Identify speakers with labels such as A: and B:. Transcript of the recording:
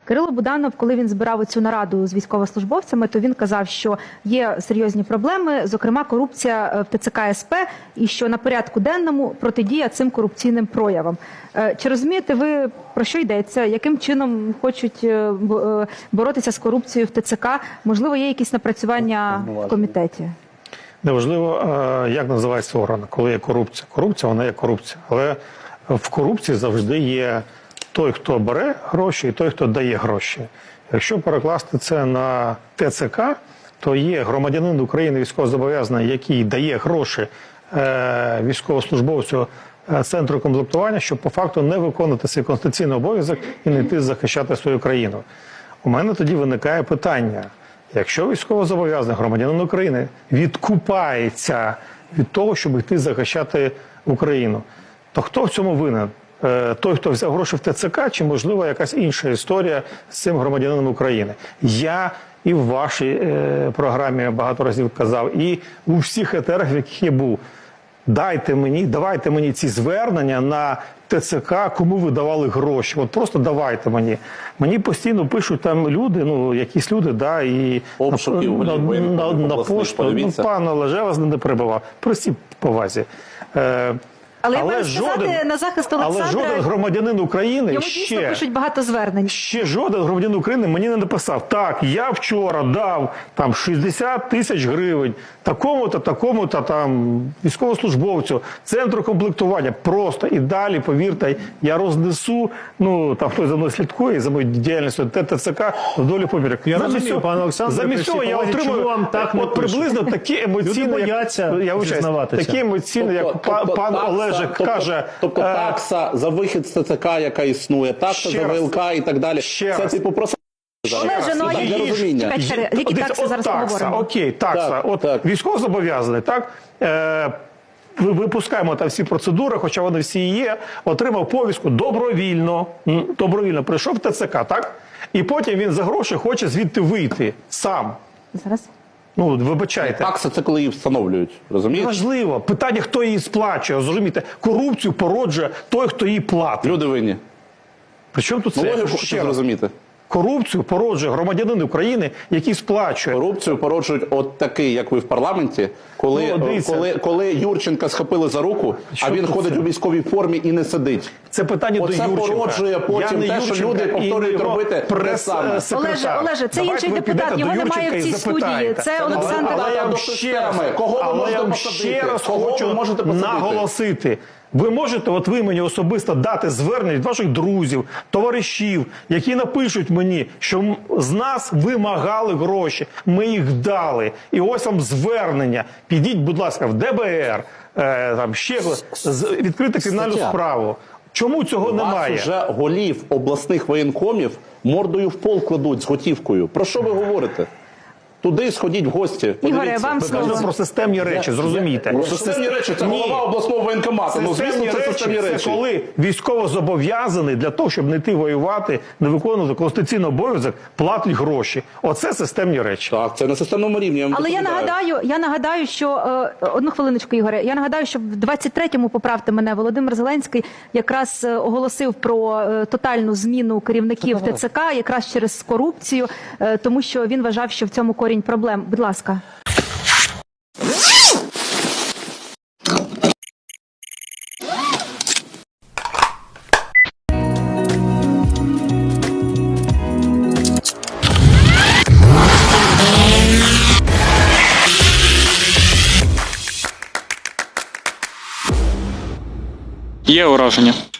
A: Кирило Буданов, коли він збирав цю нараду з військовослужбовцями, то він казав, що є серйозні проблеми, зокрема корупція в ТЦК СП, і що на порядку денному протидія цим корупційним проявам. Чи розумієте ви, про що йдеться? Яким чином хочуть боротися з корупцією в ТЦК? Можливо, є якісь напрацювання в комітеті?
B: Неважливо, як називається орган, коли є корупція. Корупція, вона є корупція. Але в корупції завжди є той, хто бере гроші, і той, хто дає гроші. Якщо перекласти це на ТЦК, то є громадянин України військовозобов'язаний, який дає гроші військовослужбовцю центру комплектування, щоб по факту не виконувати свій конституційний обов'язок і не йти захищати свою країну. У мене тоді виникає питання. Якщо військовозобов'язаний громадянин України відкупається від того, щоб йти захищати Україну, то хто в цьому винен? Той, хто взяв гроші в ТЦК, чи, можливо, якась інша історія з цим громадянином України? Я і в вашій програмі багато разів казав, і у всіх етерах, в яких я був. Давайте мені ці звернення на ТЦК, кому ви давали гроші. От просто давайте мені. Мені постійно пишуть там люди, ну, якісь люди, да, і на пошту. Ну, пане Олеже, я вас не перебивав. Прості повазі.
A: Але я маю сказати на захист Олександра,
B: але жоден громадянин України
A: йому дійсно пишуть багато звернень.
B: Ще жоден громадянин України мені не написав: так, я вчора дав там 60 тисяч гривень такому-то, такому-то там військовослужбовцю, центру комплектування. Просто і далі, повірте, я рознесу, ну, там хтось за мною слідкує, за моєю діяльністю ТЦК вдолі помірок.
C: Я розумію, пане Олександре,
B: замість цього я отримую от приблизно такі емоційні, такі емоційні, як пан Олежик каже.
D: Тобто такса за вихід з ТЦК, яка існує, такса за ВЛК і так далі. Це типу просто...
A: Олеже, ну, які такси зараз поговоримо?
B: Окей, такса. От військовозобов'язаний, так? Випускаємо там всі процедури, хоча вони всі є, отримав повістку добровільно прийшов в ТЦК, так? І потім він за гроші хоче звідти вийти сам.
A: Зараз.
B: Ну, вибачайте.
D: Такса – це коли її встановлюють, розумієте?
B: Важливо. Питання, хто її сплачує, розумієте? Корупцію породжує той, хто її платить.
D: Люди винні.
B: Причому тут це?
D: Логіку хочу зрозуміти.
B: Корупцію породжує громадянин України, який сплачує.
D: Корупцію породжують от такий, як ви в парламенті, коли Юрченка схопили за руку, а він ходить у військовій формі і не сидить.
B: Це питання до Юрченка.
D: Оце породжує потім те, що люди повторюють робити те саме.
A: Олеже, це інший депутат, його немає в цій студії. Це Олександр.
B: Але я вам ще раз хочу наголосити. Ви можете, от ви мені особисто дати звернення від ваших друзів, товаришів, які напишуть мені, що з нас вимагали гроші, ми їх дали. І ось вам звернення. Підіть, будь ласка, в ДБР, там ще відкрити кримінальну справу. Чому цього немає?
D: Вас вже голів обласних воєнкомів мордою в пол кладуть з готівкою. Про що ви говорите? Туди сходіть в гості.
A: Ігоре, вам слово.
B: Ми кажемо про системні речі, зрозумійте.
D: Системні речі – це голова обласного воєнкомату. Ну, звісно, це системні речі.
B: Це коли військовозобов'язаний для того, щоб не йти воювати, не виконувати конституційний обов'язок, платить гроші. Оце системні речі.
D: Так, це на системному рівні.
A: Але я нагадаю, що... Одну хвилиночку, Ігоре. Я нагадаю, що в 23-му, поправте мене, Володимир Зеленський якраз оголосив про тотальну зміну керівників ТЦК, якраз через корупцію, тому що він вважав, що в цьому корінь проблем. Будь ласка.
E: Є ураження.